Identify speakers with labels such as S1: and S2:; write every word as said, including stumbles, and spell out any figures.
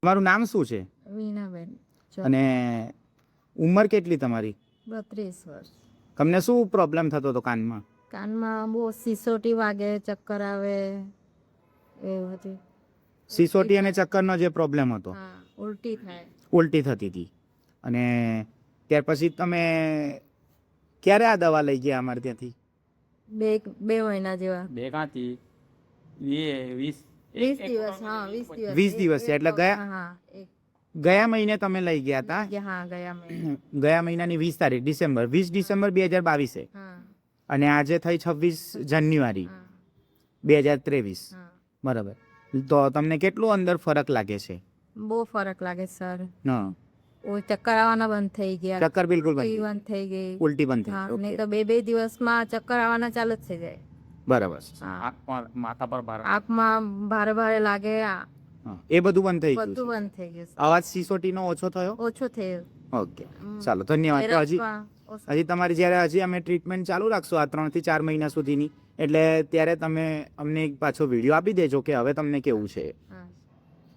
S1: તમારું નામ શું છે
S2: વીણાબેન.
S1: અને ઉંમર કેટલી તમારી?
S2: બત્રીસ વર્ષ.
S1: તમને શું પ્રોબ્લેમ થતો હતો કાનમાં?
S2: કાનમાં બહુ સિસોટી વાગે, ચક્કર આવે એ બધી.
S1: સિસોટી અને ચક્કરનો જે પ્રોબ્લેમ હતો,
S2: હા, ઉલટી થાય.
S1: ઉલટી થતી હતી. અને ત્યાર પછી તમે ક્યારે આ દવા લઈ ગયા અમારે ત્યાંથી?
S2: બે બે મહિના જેવા.
S3: બે કાંથી વીસ
S2: વીસ દિવસ. હા, વીસ દિવસ.
S1: વીસ દિવસ છે એટલે ગયા
S2: હા, એક
S1: ગયા મહિને તમે લઈ ગયા હતા.
S2: હા, ગયા મહિને.
S1: ગયા મહિનાની વીસ તારીખ ડિસેમ્બર, વીસ ડિસેમ્બર બે હજાર બાવીસે.
S2: હા,
S1: અને આજે થઈ છવ્વીસ જાન્યુઆરી
S2: હા,
S1: બે હજાર ત્રેવીસ.
S2: હા.
S1: બરાબર. તો તમને કેટલું અંદર ફરક લાગે છે?
S2: બહુ ફરક લાગે સર.
S1: હા,
S2: ઓ ચક્કર આવવાના બંધ થઈ ગયા.
S1: ચક્કર બિલકુલ બંધ
S2: ઉલટી
S1: થઈ
S2: બંધ થઈ ગઈ.
S1: ઉલટી બંધ થઈ
S2: હા,
S1: ગઈ.
S2: નહીં
S1: ઓકે.
S2: તો બે બે દિવસમાં ચક્કર આવવાના ચાલુ જ થઈ જાય.
S1: બરાબર.
S2: હા,
S3: આંખમાં માથા પર ભાર
S2: આંખમાં ભારે ભારે લાગે. આ
S1: હા, એ બધું બંધ થઈ ગયું
S2: બધું
S1: છે.
S2: બંધ થઈ ગયું છે.
S1: અવાજ સિસોટીનો ઓછો થયો?
S2: ઓછો થયો.
S1: ઓકે, ચાલો ધન્યવાદ. તો હજી
S2: ફેરવવા ઓછો.
S1: હજી તમારી જ્યારે હજી અમે ટ્રીટમેન્ટ ચાલુ રાખશું આ ત્રણથી ચાર મહિના સુધીની, એટલે ત્યારે તમે અમને એક પાછો વિડીયો આપી દેજો કે હવે તમને કેવું છે.
S2: હા.